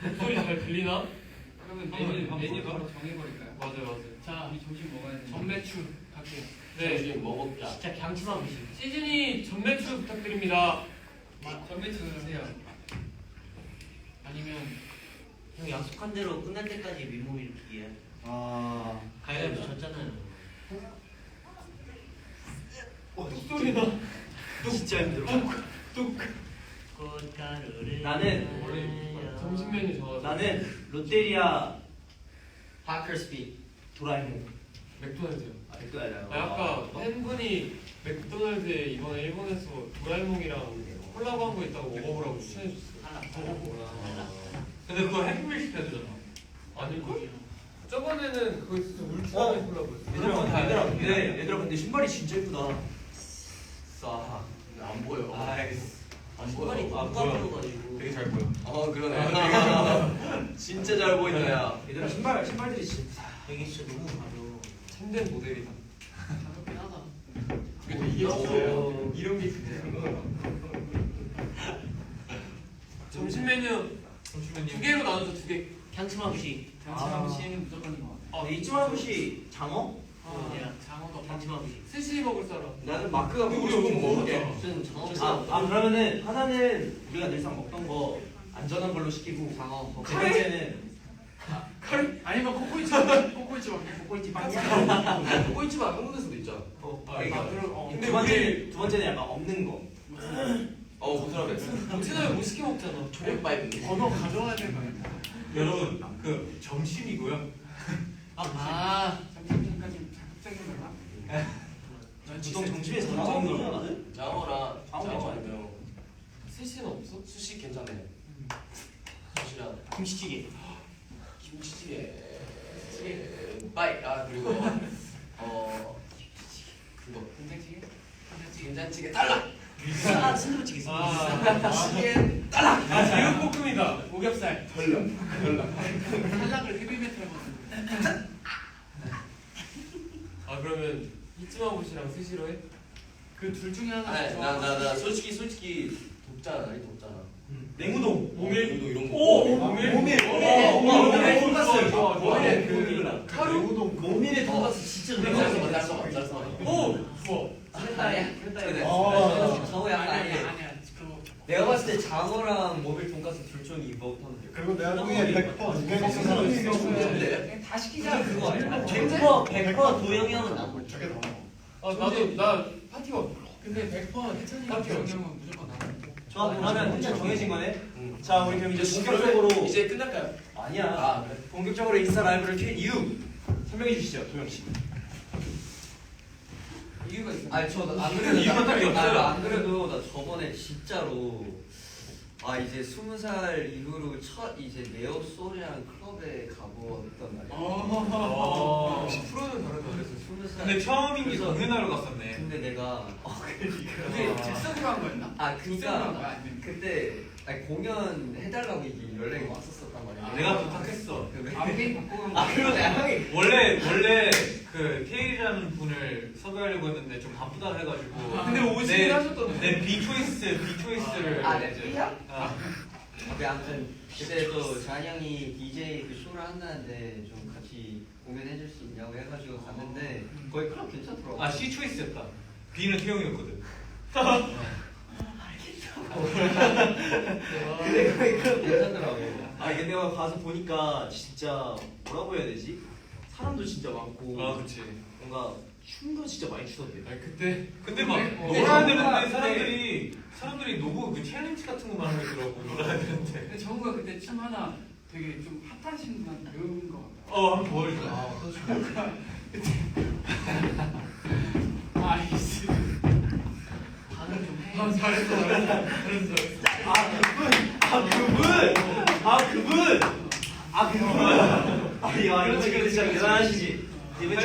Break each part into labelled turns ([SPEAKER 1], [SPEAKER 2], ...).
[SPEAKER 1] 목소리 잘 들리나?
[SPEAKER 2] 그러면 메뉴 바로 정해버릴까요?
[SPEAKER 1] 맞아요.
[SPEAKER 2] 자, 우리 점심 먹어야 돼.
[SPEAKER 1] 전매추 갈게요. 네,
[SPEAKER 3] 점심 먹었다.
[SPEAKER 4] 진짜 강추만 보시.
[SPEAKER 1] 시즌이 전매추 부탁드립니다.
[SPEAKER 2] 전매추 주세요.
[SPEAKER 4] 아니면 형 약속한 대로 끝날 때까지 민몸 일으키기야.
[SPEAKER 3] 아.
[SPEAKER 4] 가위바위보 졌잖아요.
[SPEAKER 1] 뚝소리 나.
[SPEAKER 3] 진짜 힘들어.
[SPEAKER 4] 꽃가루를
[SPEAKER 3] 나는
[SPEAKER 1] 원래 점심 메뉴 저
[SPEAKER 3] 나는 롯데리아 파커스피 도라에몽.
[SPEAKER 1] 맥도날드요.
[SPEAKER 3] 맥도날드.
[SPEAKER 1] 아까 팬분이 맥도날드에 이번에 일본에서 도라에몽이랑 콜라보한 거 있다고 먹어보라고 추천해줬어요.
[SPEAKER 3] 근데 그거 해피밀 시켜야 되잖아.
[SPEAKER 1] 아닐걸? 저번에는 그거 진짜 울트라맨 콜라보였어.
[SPEAKER 3] 얘들아 근데 신발이 진짜 예쁘다. 싸. 안 보여. 안 보여.
[SPEAKER 4] 신발이
[SPEAKER 3] 아,
[SPEAKER 4] 깜깜해가지고.
[SPEAKER 3] 되게 잘 보여. 그러네. 진짜 잘 보인다 야. 얘들아 신발들이 진짜.
[SPEAKER 4] 되게 진짜 너무 가벼워.
[SPEAKER 1] 참된 모델이다.
[SPEAKER 2] 가볍긴 하다.
[SPEAKER 1] 근데 이게 진짜예요.
[SPEAKER 3] 이런 게 진짜야.
[SPEAKER 1] 점심 메뉴 두 개로 나눠서 두 개.
[SPEAKER 4] 향치마부시.
[SPEAKER 2] 장치마무시는 무조건 것 같아.
[SPEAKER 3] 이쯤하고시 장어?
[SPEAKER 2] 장어도
[SPEAKER 4] 향치마부시.
[SPEAKER 1] 스시 먹을 사람.
[SPEAKER 3] 나는 마크가
[SPEAKER 1] 우리
[SPEAKER 3] 먹고 싶은 거 먹을게.
[SPEAKER 4] 무슨
[SPEAKER 3] 아 그러면은 하나는 우리가 늘상 먹던 거 안전한 걸로 시키고
[SPEAKER 4] 장어.
[SPEAKER 3] 세 번째는
[SPEAKER 2] 아니면 코코이치 먹게.
[SPEAKER 3] 꼬이치 빵이야.
[SPEAKER 5] 꼬이치만 안 먹는 데서도 있잖아.
[SPEAKER 1] 근데
[SPEAKER 3] 두 번째는 약간 없는 거.
[SPEAKER 5] 고스란해.
[SPEAKER 1] 점심을 못 시켜 먹잖아.
[SPEAKER 5] 조개바이브.
[SPEAKER 2] 번호 가져와야 되는 거 아니야?
[SPEAKER 6] 여러분 그 점심이고요.
[SPEAKER 2] 점심까지 자극적인 거야?
[SPEAKER 3] 보통 점심에서 먹는 걸 먹나?
[SPEAKER 5] 장어랑
[SPEAKER 3] 장어
[SPEAKER 5] 장어 아니면
[SPEAKER 1] 스시는 없어?
[SPEAKER 5] 수시 괜찮네. 수시랑
[SPEAKER 3] 김치찌개.
[SPEAKER 5] 김치찌개. 빠이. 그리고 그거
[SPEAKER 2] 된장찌개?
[SPEAKER 5] 된장찌개 달라.
[SPEAKER 4] 순두부찌개.
[SPEAKER 5] 찌개
[SPEAKER 1] 제육볶음이다.
[SPEAKER 2] 오겹살. 탈락을 헤비메탈 먹는
[SPEAKER 1] 그러면 이츠마부시랑 스시로 해?
[SPEAKER 2] 그 둘 중에 하나
[SPEAKER 5] 아니 나 솔직히 돕잖아. 나이 돕잖아.
[SPEAKER 3] 냉우동.
[SPEAKER 1] 모밀?
[SPEAKER 5] 이런 거.
[SPEAKER 3] 모밀.
[SPEAKER 1] 모밀
[SPEAKER 3] 돈가스.
[SPEAKER 1] 좋아.
[SPEAKER 3] 모밀
[SPEAKER 1] 카루?
[SPEAKER 3] 모밀의 돈가스 진짜
[SPEAKER 5] 짤
[SPEAKER 1] 오! 좋아.
[SPEAKER 4] 저거 약간 아니야.
[SPEAKER 2] 아니야. 그거
[SPEAKER 4] 내가 봤을 때 장어랑 모밀 돈가스 둘 중에 이거 하면 돼.
[SPEAKER 7] 그리고 내가 중에 100% 중에
[SPEAKER 5] 근데
[SPEAKER 2] 다 시키자.
[SPEAKER 4] 그거 아니야?
[SPEAKER 2] 근데
[SPEAKER 4] 100% 도영이 형은 나고.
[SPEAKER 7] 저게 더
[SPEAKER 1] 나도 나 파티원.
[SPEAKER 2] 근데 100% 해찬이가
[SPEAKER 1] 맞죠?
[SPEAKER 2] 경험은 무조건 나가.
[SPEAKER 3] 좋아 그러면 일단 정해진 거네.
[SPEAKER 5] 응.
[SPEAKER 3] 자 우리 그럼 이제 본격적으로
[SPEAKER 5] 이제 끝날까요?
[SPEAKER 3] 아니야.
[SPEAKER 5] 그래.
[SPEAKER 3] 본격적으로 인스타 라이브를 켠 이유 설명해 주시죠 도영 씨.
[SPEAKER 2] 이유가 있어.
[SPEAKER 4] 아니 저안
[SPEAKER 3] 이유가 딱히 없어요.
[SPEAKER 4] 안 그래도 나 저번에 진짜로 이제 20살 이후로 첫 이제 네오 소리랑 클럽에 가보았단 말이야.
[SPEAKER 1] 역시 프로는 다르다 그랬어.
[SPEAKER 4] 20살.
[SPEAKER 6] 근데 처음인 게 정은하러 갔었네.
[SPEAKER 4] 근데 내가
[SPEAKER 2] 그게 즉석으로 한 거였나? 즉석으로 한 거야?
[SPEAKER 4] 그러니까
[SPEAKER 2] 아니면
[SPEAKER 4] 그때 공연 해달라고 이게 연락이 왔었단 말이야.
[SPEAKER 6] 내가 부탁했어.
[SPEAKER 2] 앞에 바꾸고 한
[SPEAKER 4] 그러네 형이
[SPEAKER 6] 원래 그 테일이라는 분을 섭외하려고 했는데 좀 바쁘다 해가지고.
[SPEAKER 1] 근데 오시긴 하셨던데.
[SPEAKER 6] 내 비초이스를
[SPEAKER 4] 내
[SPEAKER 6] 이제.
[SPEAKER 4] B야? 아무튼 그때 또 잔이 형이 DJ 그 쇼를 한다는데 좀 같이 공연해줄 수 있냐고 해가지고 갔는데 거기 클럽 괜찮더라고.
[SPEAKER 6] C 초이스였다. B는 태용이었거든.
[SPEAKER 4] 근데 거기 클럽 괜찮더라고.
[SPEAKER 3] 근데 내가 가서 보니까 진짜 뭐라고 해야 되지? 사람도 진짜 많고
[SPEAKER 6] 그렇지.
[SPEAKER 3] 뭔가 춤도 진짜 많이 추던데.
[SPEAKER 1] 아니 그때
[SPEAKER 6] 근데 막
[SPEAKER 2] 근데
[SPEAKER 6] 놀아야
[SPEAKER 2] 정우가
[SPEAKER 6] 되는데 사람들이 너무 그 챌린지 같은 것만 하고 있더라고. 놀아야 되는데.
[SPEAKER 2] 근데 정우가 그때 춤 하나 되게 좀 핫하신 분 배운 거 같아.
[SPEAKER 6] 한번 보여줘.
[SPEAKER 2] 아이씨. 반응 좀 해.
[SPEAKER 1] 잘했어.
[SPEAKER 3] 야 이거 지금 진짜 대단하시지. 이분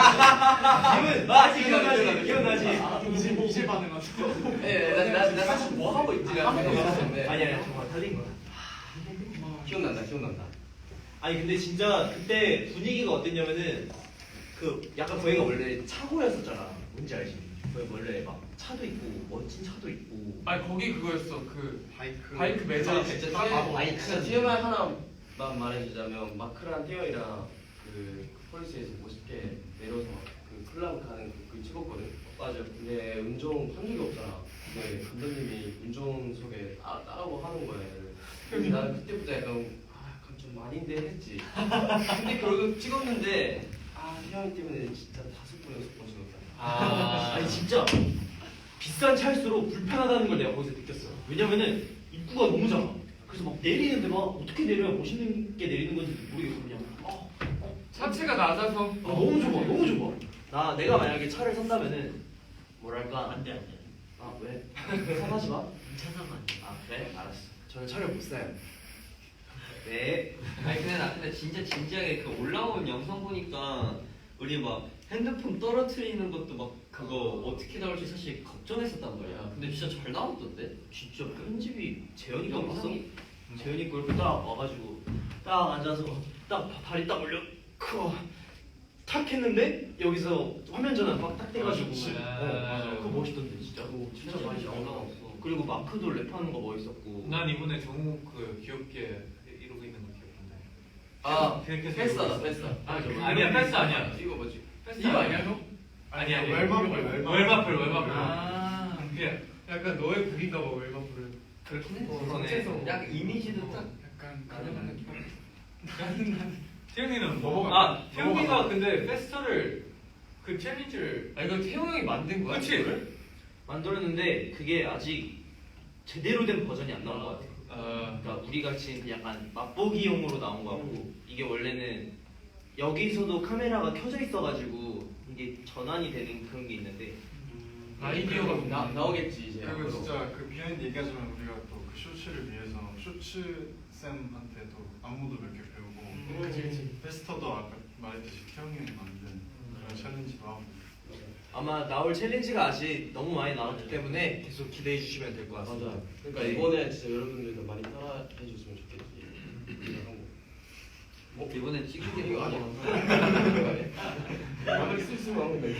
[SPEAKER 3] 기억나지?
[SPEAKER 2] 이제 반응하죠.
[SPEAKER 5] 나 사실 뭐 하고 있지?
[SPEAKER 3] 아니야 정말 달린 거야.
[SPEAKER 5] 기억난다.
[SPEAKER 3] 아니 근데 진짜 그때 분위기가 어땠냐면은 그 약간 거기가 원래 차고였었잖아. 뭔지 알지? 거기 원래 막 차도 있고 멋진 차도 있고.
[SPEAKER 1] 아니 거기 그거였어. 그 바이크 매장.
[SPEAKER 5] 진짜 TMI 하나
[SPEAKER 8] 말해주자면 마크랑 태영이랑 그 폴리스에서 멋있게 내려서 그 클럽 가는 그 찍었거든. 맞아. 근데 운전 한 적이 없잖아. 근데 감독님이 운전석에 따라고 하는 거야. 근데 나는 그때부터 약간 좀 아닌데 했지. 근데 결국 찍었는데 태영이 때문에 진짜 5번 6번 찍었다.
[SPEAKER 3] 아니 진짜 비싼 차일수록 불편하다는 걸 내가 거기서 느꼈어. 왜냐면은 입구가 너무 작아. 그래서 막 내리는데 막 어떻게 내려야 멋있는 게 내리는 건지 모르겠어. 그냥
[SPEAKER 1] 차체가 낮아서
[SPEAKER 3] 너무 좁아, 너무 좁아. 내가 만약에 차를 산다면은 뭐랄까
[SPEAKER 7] 안돼.
[SPEAKER 3] 아 왜? 사가지 마.
[SPEAKER 7] 차 사면 안 돼.
[SPEAKER 3] 아 그래? 알았어. 저는 차를 못 사요. 네.
[SPEAKER 4] 아니 근데 나 근데 진짜 진지하게 그 올라온 영상 보니까 우리 막 핸드폰 떨어뜨리는 것도 막 그거 어떻게 나올지 사실 걱정했었단 말이야. 근데 진짜 잘 나왔던데?
[SPEAKER 3] 진짜 편집이 재현이가 봤어?
[SPEAKER 4] 영상이
[SPEAKER 3] 재현이 거 이렇게 딱 와가지고 딱 앉아서 딱 다리 딱 올려 탁 했는데 여기서 화면 전환 딱 돼가지고
[SPEAKER 6] 맞아.
[SPEAKER 3] 그거 멋있던데 진짜.
[SPEAKER 8] 진짜 많이 잘 나왔어.
[SPEAKER 3] 그리고 마크도 랩하는 거 멋있었고.
[SPEAKER 6] 난 이번에 정우 그 귀엽게 이러고 있는 거 기억한다.
[SPEAKER 8] 아
[SPEAKER 6] 그렇게
[SPEAKER 8] 패스다 패스.
[SPEAKER 6] 아니야 패스 아니야.
[SPEAKER 8] 이거 뭐지?
[SPEAKER 2] 이거 아니야 형?
[SPEAKER 6] 아니야
[SPEAKER 7] 웰마플.
[SPEAKER 6] 월마플. 그냥
[SPEAKER 1] 약간 너의 북인가 봐 웰마플은.
[SPEAKER 4] 그렇긴 해.
[SPEAKER 1] 전체적으로.
[SPEAKER 4] 약간 이미지도 딱
[SPEAKER 2] 약간 가능한 느낌.
[SPEAKER 6] 태영이는
[SPEAKER 7] 넘어가.
[SPEAKER 6] 태영이가 근데 페스터를 그 챌린지를
[SPEAKER 1] 이거 태용 형이 만든 거야?
[SPEAKER 6] 그치?
[SPEAKER 1] 이거를?
[SPEAKER 3] 만들었는데 그게 아직 제대로 된 버전이 안 나온 것 같아.
[SPEAKER 6] 아
[SPEAKER 3] 그러니까 우리 같이 약간 맛보기용으로 나온 거 같고 이게 원래는 여기서도 카메라가 켜져 있어가지고 이게 전환이 되는 그런 게 있는데
[SPEAKER 1] 아이디어가
[SPEAKER 8] 나오겠지 이제.
[SPEAKER 7] 그리고 진짜 그 비하인드 얘기하자면 우리가 또 그 쇼츠를 위해서 쇼츠 쌤한테도 안무도 몇 개 배우고
[SPEAKER 1] 그치.
[SPEAKER 7] 페스터도 아까 말했듯이 태영이 형이 만든 그런 챌린지도 하고.
[SPEAKER 3] 아마 나올 챌린지가 아직 너무 많이 나왔기 때문에 계속 기대해 주시면 될 것 같습니다.
[SPEAKER 8] 맞아. 그러니까 이번에 진짜 여러분들도 많이 따라해 줬으면 좋겠지.
[SPEAKER 4] 이번에 찍은 게
[SPEAKER 8] 이거
[SPEAKER 4] 뭐야?
[SPEAKER 8] 아니야. 말을 쓸수만 하면 돼.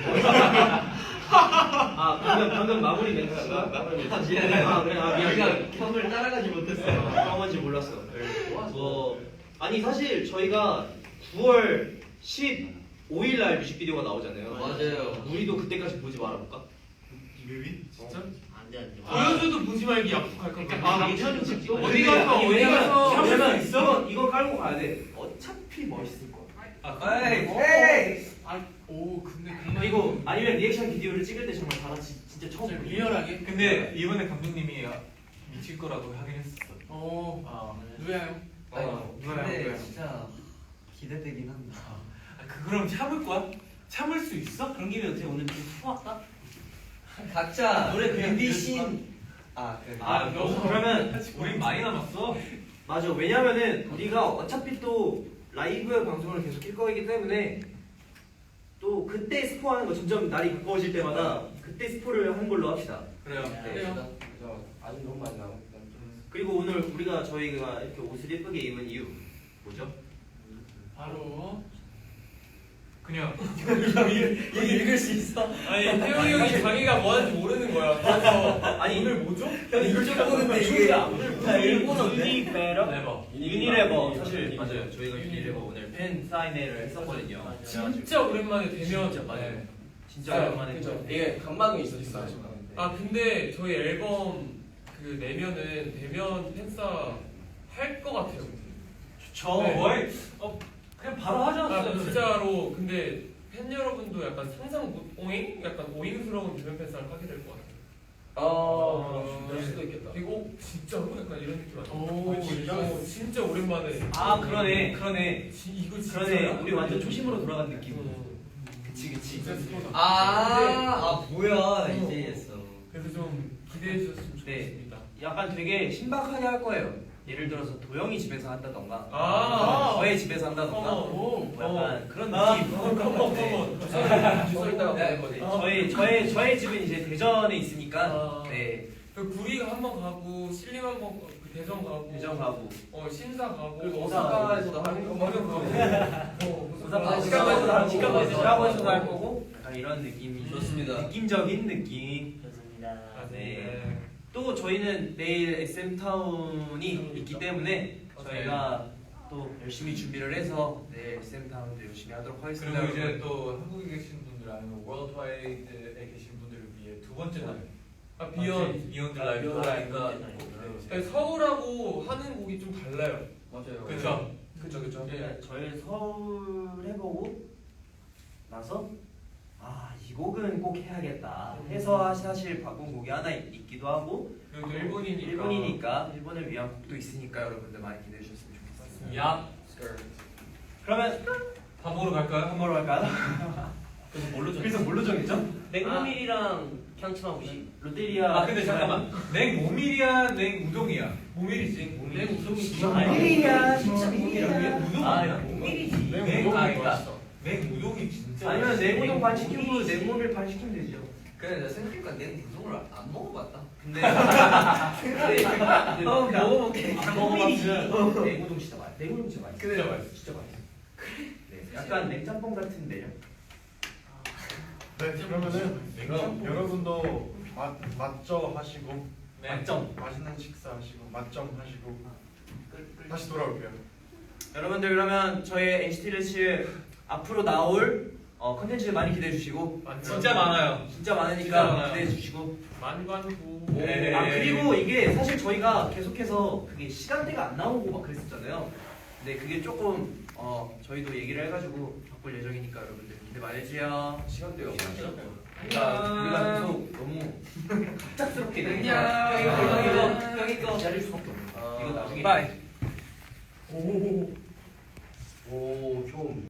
[SPEAKER 3] 방금 마무리 멘트가
[SPEAKER 4] 미안해.
[SPEAKER 3] 미안해.
[SPEAKER 4] 우리가 형을 따라가지 못했어.
[SPEAKER 3] 한번지 몰랐어. 아니 사실 저희가 9월 15일 날 뮤직비디오가 나오잖아요.
[SPEAKER 4] 맞아요.
[SPEAKER 3] 우리도 그때까지 보지 말아볼까?
[SPEAKER 7] 리뷰? 진짜?
[SPEAKER 1] 안돼 안돼. 보여줘도 보지 말기 약속할 거야.
[SPEAKER 3] 괜찮지.
[SPEAKER 1] 어디 가서
[SPEAKER 3] 왜냐면
[SPEAKER 1] 있어?
[SPEAKER 3] 이거 깔고 가야 돼. 어차피 멋있을 거야.
[SPEAKER 4] 에이.
[SPEAKER 2] 오 근데
[SPEAKER 3] 그리고 아니면 리액션 비디오를 찍을 때 정말 다 같이 진짜 처음 보는 거야.
[SPEAKER 2] 리얼하게.
[SPEAKER 6] 근데 이번에 감독님이 미칠 거라고 하긴 했었어.
[SPEAKER 2] 누구야 형?
[SPEAKER 4] 근데 진짜 기대되긴 한다.
[SPEAKER 6] 그럼 참을 거야? 참을 수 있어? 그런 김에 어떻게 오늘 좀 수학다?
[SPEAKER 4] 각자
[SPEAKER 2] 노래 그냥
[SPEAKER 4] 뮤비신 그래.
[SPEAKER 3] 그러면
[SPEAKER 6] 우린 많이 남았어.
[SPEAKER 3] 맞아. 왜냐면은 우리가 어차피 또 라이브 방송을 계속 킬 거이기 때문에 또 그때 스포하는 거 점점 날이 가까워질 때마다 그때 스포를 하는 걸로 합시다.
[SPEAKER 6] 그래요.
[SPEAKER 2] 그래요.
[SPEAKER 8] 아직 너무 많이 나오고.
[SPEAKER 3] 그리고 오늘 저희가 이렇게 옷을 예쁘게 입은 이유 뭐죠?
[SPEAKER 2] 바로
[SPEAKER 6] 그냥
[SPEAKER 4] 이거 읽을 수 있어?
[SPEAKER 1] 아니 태용이 형이 자기가 뭐 하는지 모르는 거야. 그래서
[SPEAKER 3] 아니
[SPEAKER 1] 오늘 뭐죠?
[SPEAKER 4] 이쪽 보는데 이게
[SPEAKER 3] 유니레버. 유니레버 사실
[SPEAKER 1] 맞아요.
[SPEAKER 3] 맞아요. 저희가 유니레버 오늘 팬 사인회를 했었거든요.
[SPEAKER 1] 진짜 오랜만에 대면.
[SPEAKER 3] 맞아요. 진짜 오랜만에
[SPEAKER 8] 그죠. 이게 감방이 있었어.
[SPEAKER 1] 아 근데 저희 앨범 그 내면은 대면 팬싸 할 것 같아요.
[SPEAKER 3] 저
[SPEAKER 1] 네.
[SPEAKER 6] 거의 그냥 바로 하지
[SPEAKER 1] 아
[SPEAKER 6] 않았어요.
[SPEAKER 1] 진짜로 근데 팬 여러분도 약간 상상 못 오잉? 약간 오잉스러운 대면 팬싸를 하게 될 것 같아요.
[SPEAKER 8] 그럴 수도 있겠다.
[SPEAKER 1] 그리고 진짜로 약간 이런 느낌 아니야?
[SPEAKER 2] 오,
[SPEAKER 1] 이거 진짜 오랜만에.
[SPEAKER 3] 그러네.
[SPEAKER 1] 이거 진짜.
[SPEAKER 3] 그러네. 우리 완전 초심으로 돌아간 느낌. 그치.
[SPEAKER 1] 진짜 스포다.
[SPEAKER 4] 뭐야 이제 했어.
[SPEAKER 1] 그래서 좀 기대해 주셨으면
[SPEAKER 3] 네.
[SPEAKER 1] 좋겠습니다.
[SPEAKER 3] 약간 되게 신박하게 할 거예요. 예를 들어서 도영이 집에서 한다던가, 저의 집에서 한다던가,
[SPEAKER 1] 어머.
[SPEAKER 3] 약간 그런 느낌.
[SPEAKER 8] 주소 있다가 보낼 거지.
[SPEAKER 3] 저의 집은 이제 대전에 있으니까, 네,
[SPEAKER 1] 그 구리가 한번 가고 신림 한번 대전 가고
[SPEAKER 3] 대전 가고,
[SPEAKER 1] 신사 가고
[SPEAKER 8] 그리고 오사카에서도 하는 거
[SPEAKER 1] 맞아
[SPEAKER 3] 오사카 시카고에서도 할 거고, 약간 이런 느낌이
[SPEAKER 4] 좋습니다.
[SPEAKER 3] 느낌적인 느낌.
[SPEAKER 7] 좋습니다.
[SPEAKER 3] 네. 또 저희는 내일 SM 타운이 있기 때문에 저희가 또 열심히 준비를 해서 네 SM 다운도 열심히 하도록 하겠습니다.
[SPEAKER 6] 그리고 이제
[SPEAKER 3] 여러분.
[SPEAKER 6] 또 한국에 계신 분들 아니면 월드와이드에 계신 분들을 위해 두 번째 날 비욘드 라이브가
[SPEAKER 1] 네, 서울하고 하는 곡이 좀 달라요.
[SPEAKER 8] 맞아요.
[SPEAKER 6] 그쵸?
[SPEAKER 1] 그쵸.
[SPEAKER 3] 네, 저희 서울 해보고 나서 이 곡은 꼭 해야겠다 해서 사실 바꾼 곡이 하나 있기도 하고
[SPEAKER 1] 그리고 또 일본이니까.
[SPEAKER 3] 일본을 위한 곡도 있으니까 여러분들 많이 기대해 주셨으면 좋겠습니다.
[SPEAKER 6] 야
[SPEAKER 3] 그러면
[SPEAKER 6] 밥 먹으러 갈까요?
[SPEAKER 3] 한 번로 할까요? 그래서 뭘로 정했죠?
[SPEAKER 4] 냉모밀이랑 향치마무시.
[SPEAKER 3] 롯데리아.
[SPEAKER 6] 아 근데 잠깐만 냉모밀이야 냉우동이야?
[SPEAKER 1] 모밀이지.
[SPEAKER 4] 냉우동이지.
[SPEAKER 3] 롯데리아 진짜
[SPEAKER 6] 왜 우동 아니야?
[SPEAKER 4] 모밀이지.
[SPEAKER 6] 그러니까 냉우동이 진짜
[SPEAKER 3] 아니면 냉우동 반 시키고 냉모밀 반 시키면 되죠.
[SPEAKER 5] 그래 내가 생각해보니까 냉우동을 안 먹어봤다.
[SPEAKER 3] 근데
[SPEAKER 4] 먹어볼게.
[SPEAKER 3] 냉모밀이지. 냉우동 진짜 맛있어. 냉우동 진짜 맛있어.
[SPEAKER 6] 진짜 맛있어.
[SPEAKER 3] 진짜 맛있어. 네, 약간 냉짬뽕 같은데요.
[SPEAKER 7] 네, 그러면은 여러분도 맛점 하시고
[SPEAKER 6] 네.
[SPEAKER 7] 맛있는 식사하시고 맛점 하시고 다시 돌아올게요.
[SPEAKER 3] 여러분들 그러면 저희 NCT 드레스 앞으로 나올 컨텐츠 많이 기대해 주시고
[SPEAKER 6] 진짜 많아요.
[SPEAKER 3] 진짜 많으니까
[SPEAKER 6] 진짜 많아요.
[SPEAKER 3] 기대해 주시고
[SPEAKER 1] 만관부.
[SPEAKER 6] 네.
[SPEAKER 3] 그리고 이게 사실 저희가 계속해서 그게 시간대가 안 나오고 막 그랬었잖아요. 근데 그게 조금 저희도 얘기를 해가지고 바꿀 예정이니까 여러분들 기대 많이 해주세요.
[SPEAKER 1] 시간대가
[SPEAKER 3] 우리가 계속 너무 갑작스럽게
[SPEAKER 4] 안녕.
[SPEAKER 3] 형이 거 기다릴 수밖에 없는 거야. 이거 나중에
[SPEAKER 1] 바이.
[SPEAKER 8] 오, 좀.